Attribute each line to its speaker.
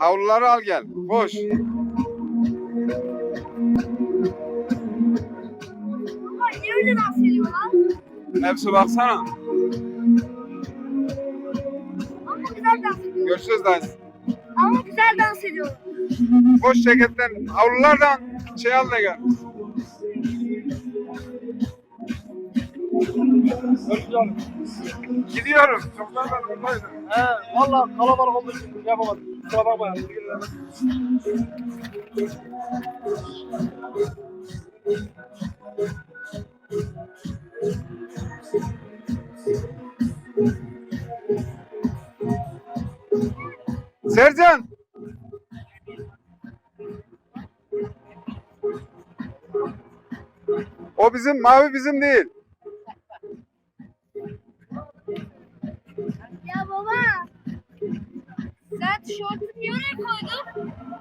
Speaker 1: Havluları al gel. Koş.
Speaker 2: Baba niye öyle dans ediyor lan?
Speaker 1: Hepsi baksana.
Speaker 2: Ama güzel dans ediyor.
Speaker 1: Görüşürüz dans.
Speaker 2: Ama güzel dans ediyor.
Speaker 1: Koş ceketten. Havlulardan şey al da gel. Gidiyorum. Çoktan ben buradaydım.
Speaker 3: He, valla kalabalık olduğu için yapamadım. Kusura bakma ya.
Speaker 1: Sercan. O bizim, mavi bizim değil.
Speaker 2: Ya baba. Sen tişörtünü niye oraya koydun?